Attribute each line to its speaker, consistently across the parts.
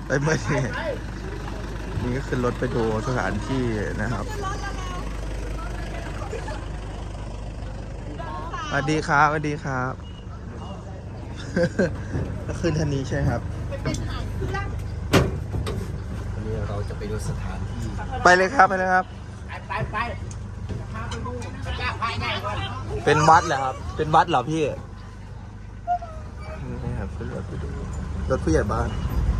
Speaker 1: ไปเมื่อนี้นี่ก็ขึ้นรถไปดูสถานที่นะครับสวัสดีครับสวัสดีครับก็ขึ้นทันนี้ใช่ครับ
Speaker 2: วันนี้เราจะไปดูสถานที่
Speaker 1: ไปเลยครับไปเลยครับ
Speaker 3: ไปพาไปดูพระเจ้าภายในก่อน
Speaker 1: เป็นวัดเหรอครับเป็นวัดเหรอพี่นี่ครับขึ้นรถไปดูรถผู้ใหญ่บ้าน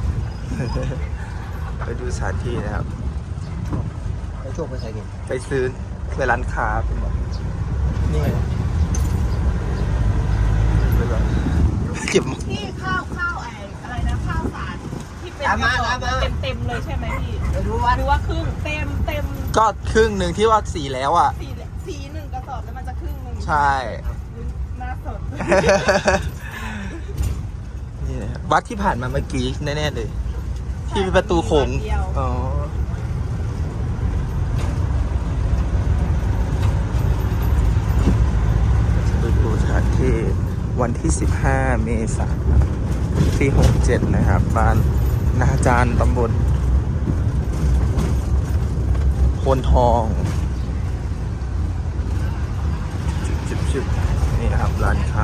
Speaker 1: ไปดูสถานที่นะครับ
Speaker 2: ไปโชคไปใส่เก็บ
Speaker 1: ไปซื้อไปร้านค้าเป็นแบบนี่เก็บ
Speaker 4: ที่ข้าวอะไรนะข้าวสารที่เป็นเต็มเลยใช่ไหมพี่
Speaker 3: ไปดูวัด
Speaker 4: หรือว่าครึ่งเต็ม
Speaker 1: ก็ครึ่งหนึ่งที่ว่าสีแล้วอ่ะ
Speaker 4: สีหนึ่งกระสอบแล้วมันจะครึ่งหนึ่ง
Speaker 1: ใช่
Speaker 4: น่าสน
Speaker 1: นี่นะครับวัดที่ผ่านมาเมื่อกี้แน่ๆเลยที่เป็นประตูโขงอ๋อไปดูสถานที่วันที่15 เมษายนที่67นะครับบ้านนาจารตำบลโพนทองจุดนี่นะครับร้านค้า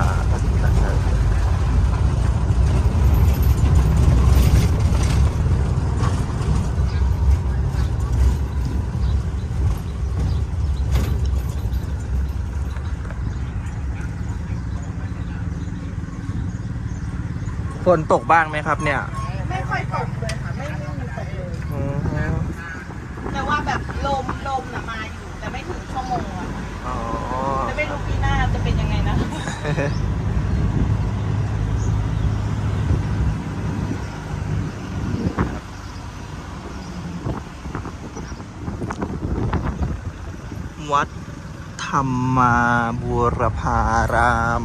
Speaker 1: ฝนตกบ้างไหมครับเนี่ย
Speaker 4: ไม่ค่อยตกเลยค่ะไม่มีตกเลยแต่ว่าแบบลมน่ะมาอยู่แต่ไม่ถึงชั่วโมงอ่ะจะไม่รู้ปีหน้าจะเป็นยังไงนะ
Speaker 1: วัดธรรมาบูรพาราม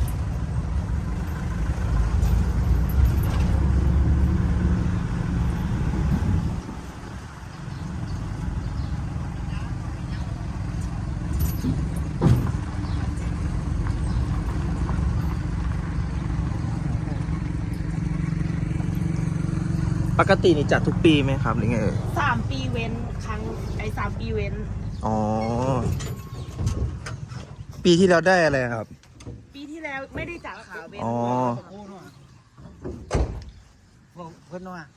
Speaker 1: ปกตินี่จัดทุกปีไหมครับหรือไง
Speaker 4: 3 ปีเว้นครั้ง3 ปีเว้น
Speaker 1: อ๋อปีที่แล้วได้อะไรครับ
Speaker 4: ปีที่แล้วไม่ได้จัดค่ะเว้น
Speaker 1: อ๋อ
Speaker 2: เพื่อนว่า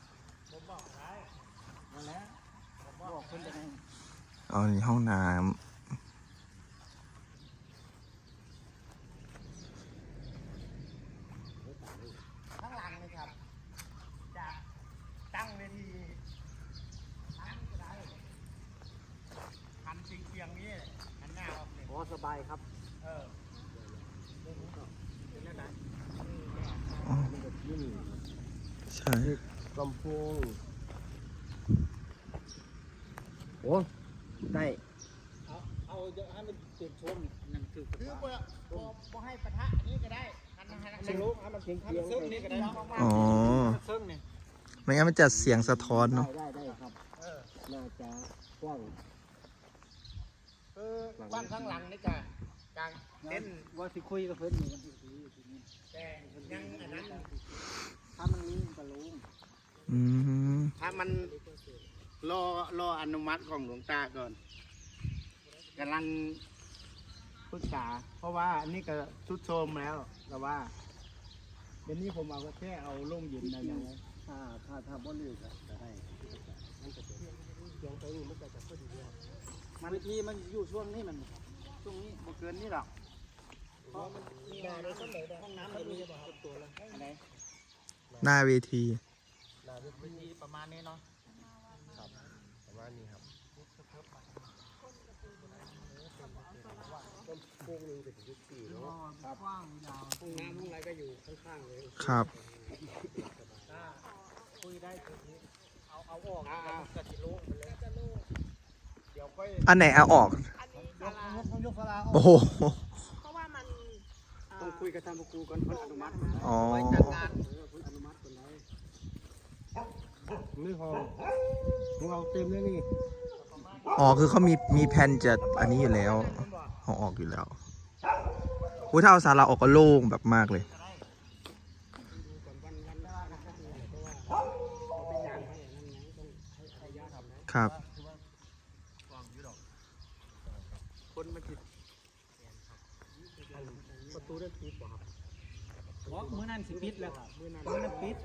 Speaker 1: อ๋อนี่ห้องน้ำ
Speaker 3: ข้างหลังเลยครับจะตั้งเวทีทั้งก็ได้หันเชียงนี้หันหน้าออกเลย
Speaker 2: สบายครับ
Speaker 3: เป็นแล้วนะ
Speaker 1: ใช่
Speaker 2: ลำโพงโอ้ได้
Speaker 3: เอาเยอะให้มันติดชมนั่นคือพอให้ปะทะนี้ก็ได้หันลุกให้มันเสียงซึ่งนี่ก็ได้
Speaker 1: อ๋อ
Speaker 3: ซึ่งนี่
Speaker 1: ไม่งั้นมันจะเสียงสะท้อนเนาะ
Speaker 2: ได้ครับน่าจะกว้าง
Speaker 3: กว้างข้างหลังนี่กลางเต้น
Speaker 2: ว่าสิคุยกับเพื่อนอยู่
Speaker 3: แต่ยังอันนั้น
Speaker 2: ถ้ามันลิ้นกระลุง
Speaker 3: ถ้ามันรออนุมัติของหลวงตาก่อนกำลังปรึกษาเพราะว่าอันนี้ก็ชุดโทมแล้วแต่ว่าเดี๋ยวนี้ผมเอาแค่เอาลงยืนได้ยังไง
Speaker 2: ถ้าบ่ลืมจะให้มันจะเสียงตัวนี้มันจะพอดีมันที่มันอยู่ช่วงนี้มันช่วงนี้บ่เกินนี่หรอกเพราะมันมีห้องน้ำมีตัวแล้วไหน
Speaker 1: หน้าเวที
Speaker 3: ประมาณนี้เนาะ
Speaker 2: ครับประมาณนี้ครับต้นโค้งนึงเป็นยุค4เนาะครับ
Speaker 3: กว้างยาวห้องน้ำห้องอะไรก็อยู่ข้างๆเลย
Speaker 1: ครับ
Speaker 3: คุยได้ทีนี้เอาออกกระติโล่งไปเลยเดี๋ยวค่อย
Speaker 1: อันไหนเอาออก
Speaker 3: ยกศาลา
Speaker 1: โอ้โห
Speaker 4: เพราะว่ามัน
Speaker 2: ต้องคุยกับทางครูก่อนคนอนุมัติ
Speaker 1: อ๋อ
Speaker 2: จัดการคนอนุมัติคนไหนไม่พอของเราเต็มเลยนี่
Speaker 1: อ๋อคือเขามีแผนจะอันนี้อยู่แล้วเอาออกอยู่แล้วถ้าเอาศาลาออกก็โล่งแบบมากเลยครับ
Speaker 3: คนมาจิต
Speaker 2: ประตูได้ปิดบ่ครับเพราะมื้อนั้นสิปิดแล้วมื้อนั้นปิด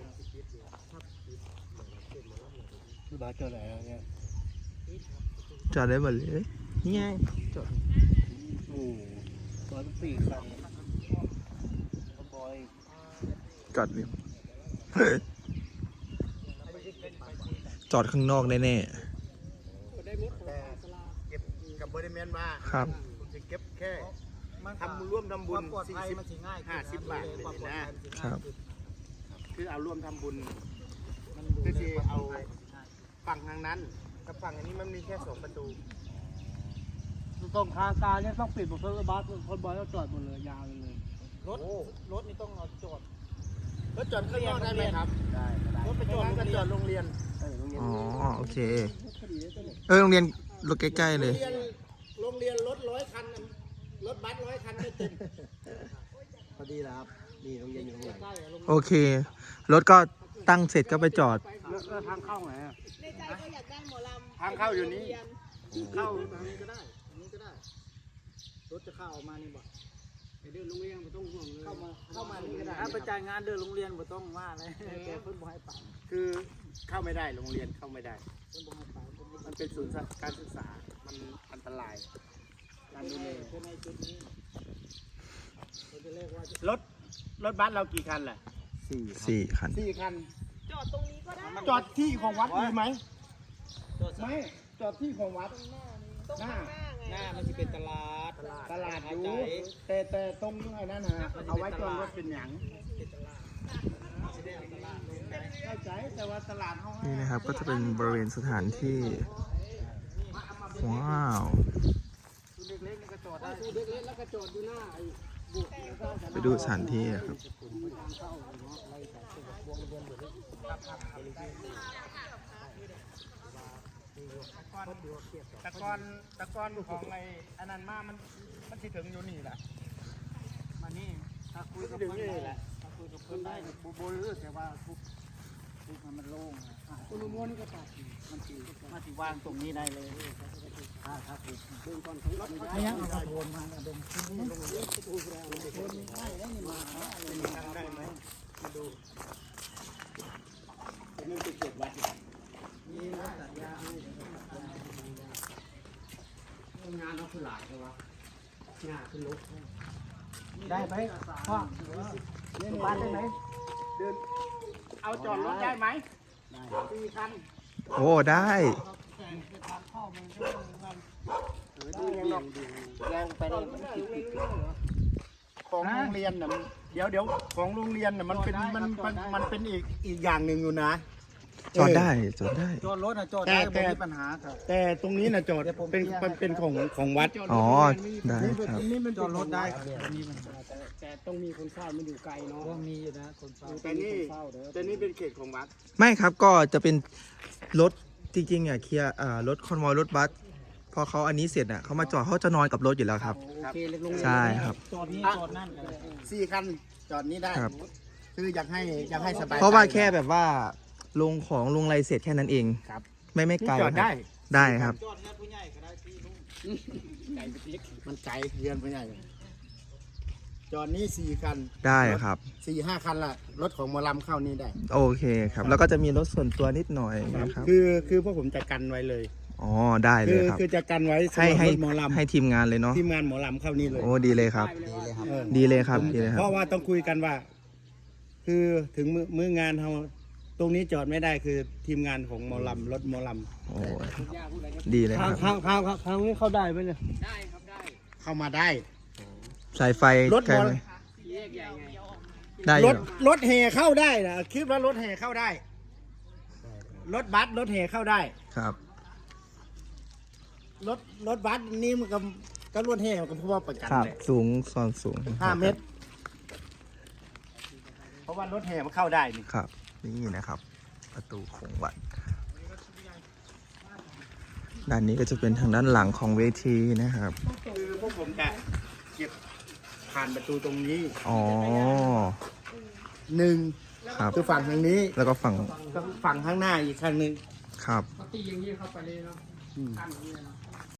Speaker 2: คือบาเจออะไรเนี่ย
Speaker 1: จอดได้หมดเลยนี่ไงจอด
Speaker 2: โอ้ตอนปีกครับบอย
Speaker 1: จอดเนี่ย จอดข้างนอกแน่
Speaker 3: แต่เก็บกับบริเวณมา
Speaker 1: ๆครับ
Speaker 3: ผมจะเก็บแค่ทำร่วมทำบุญ
Speaker 2: ปลอดภัยมันสิง่าย
Speaker 3: 50 บาทเลยนะครับ คือเอาร่วมทำบุญ
Speaker 2: มัน
Speaker 3: คือที่เอาฝั่งทางนั้นกับฝั่งอันนี้มันมีแค่2 ประตู
Speaker 2: ตรงทางการเนี่ยต้องปิดหมดเพราะบัสคนบอยต้องจอดหมดเลยยาวเลยรถนี่ต้องเอาจอด
Speaker 3: รถจอดข้างนอกได้ไหมครับ
Speaker 2: ได้
Speaker 3: รถไปจอดก็จอดโรงเรียน
Speaker 1: อ๋อ โอเค โรงเรียนรถใกล้ๆเลย
Speaker 3: โรงเรียนรถ100 คันน่ะรถบัส100 คันไม่เต็ม
Speaker 2: พอดีแล้วครับนี่โรงเรียนอยู่ตรงไหน
Speaker 1: โอเค รถก็ตั้งเสร็จก็ไปจอด
Speaker 2: แล้วทางเข้าไหนอ่ะ
Speaker 4: ในใจก็อยากได้หมอลำ
Speaker 3: ทางเข้าอยู่นี้
Speaker 2: เข้าทางนี้ก็ได้อันนี้ก็ได้รถจะเข้าออกมานี่บ่ไปเดินโรงเรียนไม่ต้องห่วงเลยเข้ามานี่ก็ได้ถ้าไปจ่ายงานเดินโรงเรียนไม่ต้องว่าเลยแกเพิ่นบ่ให้ไป
Speaker 3: คือเข้าไม่ได้โรงเรียนเข้าไม่ได้
Speaker 2: เพิ่นบ่ให้ไป
Speaker 3: มันเป็นศูนย์การศึกษา มันอันตราย
Speaker 2: การดูแลในจุดนี้เราจะเรียกว่าร
Speaker 3: ถบัสเรากี่คันแหละ
Speaker 1: 4 คัน
Speaker 3: 4 คัน
Speaker 4: จอดตรงนี้ก็ได้
Speaker 3: จอดที่ของวัดดีไหมไม่จอดที่ของวัด
Speaker 4: ตรงข้างหน้าไง
Speaker 2: หน้ามันจะเป็นตลาด
Speaker 3: ตลาดอยู่แต่ตรงไอ้นั่นฮะเอาไว้จอดรถเป็นหยังเข้าใจแต่ว่าตลาดเขาให้
Speaker 1: นี่นะครับก็จะเป็นบริเวณสถานที่ ว้าว
Speaker 2: เด็กๆนี่ก็จอดได้เด็กๆแล้วก็จอดอยู่หน้าไอ้บุก
Speaker 1: ไปดูสถานที่ครับ
Speaker 3: ตะกอนของไอ้อันนั้นมามันสิถึงอยู่นี่แหละ
Speaker 2: มานี่ถ้าคุยกับ
Speaker 3: ถึง
Speaker 2: เพื่อน
Speaker 3: นี่แหละ
Speaker 2: ถ้าคุยกับเพื่อนได้บุบลือแต่ว่าทุกมันโล่งคุณม้วนก็ตัดมันตีมาที่วางตรงนี้ได้เลยถ้าถูกเบื้องต้นของรถไม่ยังเอาโทนมาเดินขึ้นนี่ลงเยอะดูแล้วโทนไม่ได้แล้วนี่มา
Speaker 3: ทำได้ไหมมาดูมันเป็นเจ็ดวัด
Speaker 2: นี่รถตัดยาให้งานเราคือหลายใช่ไหมงานคือลุกได้ไหมพ่อบ้านได้ไหม
Speaker 3: เดินเอาจอดรถได้ไหม4 คัน
Speaker 1: โอ้ ได้
Speaker 2: ยังไปได้
Speaker 3: ของโรงเรียนน่ะเดี๋ยวของโรงเรียนน่ะมันเป็นอีกอย่างหนึ่งอยู่นะ
Speaker 1: จอดได้ จอดได้
Speaker 2: จอดรถนะจอดได้ไม่มีปัญหาครับ
Speaker 3: แต่ตรงนี้น่ะจอดเป็นของวัด
Speaker 1: อ๋อ ได้ครับ
Speaker 3: นี่มัน
Speaker 2: จอดรถได้ครับมีปัญหาแต่ต้องมีคนเฝ้ามันอยู่ไกลเนาะมีอยู่นะคนเฝ้า
Speaker 3: แต่นี่เป็นเขตของวัด
Speaker 1: ไม่ครับ ก็จะเป็นรถจริงๆอ่ะเคลียร์รถคอนวอยรถบัส พอเขาอันนี้เสร็จอ่ะเขามาจอดเขาจะนอนกับรถอยู่แล้วครับ
Speaker 2: โอเคเล็กลง
Speaker 1: ใช่ครับ
Speaker 2: จอดนี่จอดนั่น
Speaker 3: 4 คันจอดนี้ได้
Speaker 1: ครับ
Speaker 3: คืออยากให้สบาย
Speaker 1: เพราะว่าแค่แบบว่าลงของลงอะไรเสร็จแค่นั้นเอง
Speaker 3: ครับ
Speaker 1: ไม่ไกล
Speaker 3: จอดได้
Speaker 1: ครับได้ครับ
Speaker 2: จอดเนี่ยผู้ใหญ่ก็ได้ที่ลุงไก่ไปติ๊ก
Speaker 3: มันไกลเรียนไปใหญ่จอดนี้4 คัน
Speaker 1: ได้ครับ
Speaker 3: 4-5 คันละรถของหมอลำเข้านี่ได้
Speaker 1: โอเคครับ แล้วก็จะมีรถส่วนตัวนิดหน่อยนะครับ
Speaker 3: คือพวกผมจะกันไว้เลย
Speaker 1: อ๋อ ได้เลยครับ
Speaker 3: คือจะกันไว้สำหรับ
Speaker 1: ให้
Speaker 3: รถหมอลำ
Speaker 1: ให้ทีมงานเลยเนาะ
Speaker 3: ทีมงานหมอลำเข้านี่เลย
Speaker 1: โอ้ดีเลยครับ
Speaker 3: เออ
Speaker 1: ดีเลยครับดีเลยค
Speaker 3: เพ
Speaker 1: รับ
Speaker 3: ราะว่าต้องคุยกันว่า คือถึงมื้องานเราตรงนี้จอดไม่ได้คือทีมงานของหมอลำรถหมอล
Speaker 1: โอ้ดีเลยครับ
Speaker 2: ทางนี้เข้าได้ไหมเนี่ย
Speaker 3: ำเข้ามาได้
Speaker 1: สายไฟ
Speaker 3: รถ
Speaker 1: ไกล
Speaker 3: บอล
Speaker 1: ไหมได้อ
Speaker 3: ร
Speaker 1: ยู่
Speaker 3: ถแห่เข้าได้นะคิดว่ารถแห่เข้าได้ รถบัสรถแห่เข้าได้
Speaker 1: ครับ
Speaker 3: รถบัสนี่มันก็รถแห่มันก็เพราะว่าประกัน
Speaker 1: ครับ
Speaker 3: เลย
Speaker 1: สูงซ้อนสูง
Speaker 3: 5 เมตร เพราะว่ารถแห่มันเข้าได้นี่
Speaker 1: ครับ นี่นะครับ ประตูโขงวัด ด้านนี้ก็จะเป็นทางด้านหลังของเวทีนะครับ
Speaker 3: คือพวกผมจะเก็บผ่านประตูตรงนี้
Speaker 1: อ๋อ
Speaker 3: หนึ่ง
Speaker 1: ครับ
Speaker 3: คือฝั่งทางนี้
Speaker 1: แล้วก็ฝั่ง
Speaker 3: ก็ฝั่งข้างหน้าอีกครั้งหนึ่ง
Speaker 1: คครับ
Speaker 2: ตีอย่างนี้เข้าไปเลยเนาะขั้นอย่างนี้เนาะ